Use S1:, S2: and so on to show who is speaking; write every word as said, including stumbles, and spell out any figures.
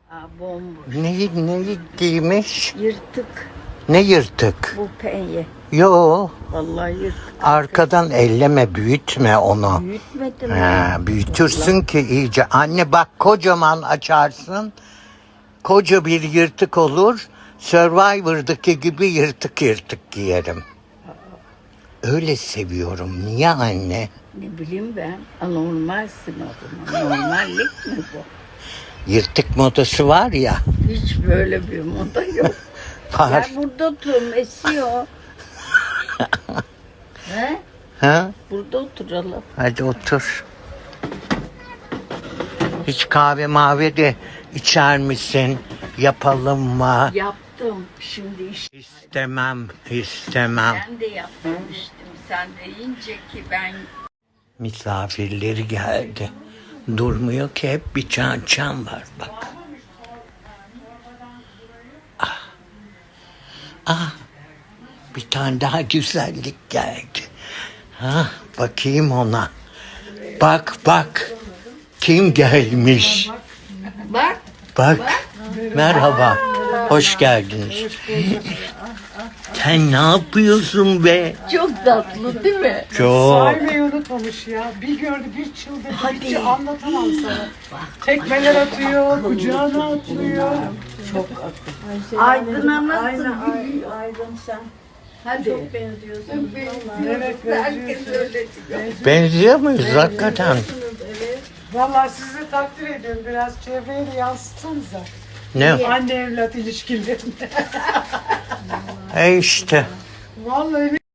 S1: Aa, bomboş.
S2: Neyi, neyi giymiş?
S1: Yırtık
S2: Ne yırtık?
S1: bu penye.
S2: Yo,
S1: Vallahi yırtık.
S2: arkadan elleme, büyütme onu.
S1: Büyütmedim
S2: He,
S1: ya.
S2: büyütürsün ki iyice. Anne bak, kocaman açarsın. Koca bir yırtık olur. Survivor'daki gibi yırtık yırtık giyerim. Öyle seviyorum. Niye anne?
S1: Ne bileyim ben. Anormalsin o zaman. Normallik mi bu?
S2: Yırtık modası var ya.
S1: Hiç böyle bir moda yok.
S2: Var.
S1: Gel burada oturun, esiyor. He?
S2: Ha?
S1: Burada oturalım.
S2: Hadi otur. Hiç kahve mavi de içer misin? Yapalım mı?
S1: Yaptım. Şimdi işte
S2: İstemem, istemem.
S1: ben de yapmamıştım. Sen de yiyince ki ben
S2: Misafirleri geldi. Durmuyor ki, hep bir çan çan var bak. Ah. Ah. Bir tane daha güzellik geldi. Ha, bakayım ona. Bak bak. Kim gelmiş?
S1: bak.
S2: Bak. Merhaba. Hoş geldiniz. Sen ne yapıyorsun be?
S1: Çok tatlı değil mi?
S2: Çok.
S3: Saymayı unutmamış ya. Bir gördü, bir çıldırdı.
S1: Hadi.
S3: Hiç anlatamam sana. Tekmeler atıyor, kucağına atlıyor.
S1: Çok akıllı. Aydın'a nasıl biliyor?
S3: Aydın sen.
S1: Hadi.
S3: Çok benziyorsun. Evet,
S1: Herkes
S3: benziyorsun.
S1: öyle diyor.
S2: Benziyor muyuz hakikaten?
S3: Vallahi sizi takdir ediyorum. Biraz çevreye de yansıtsanıza.
S2: Ne?
S3: Anne evlat ilişkilerinde.
S2: E işte.
S3: Vallahi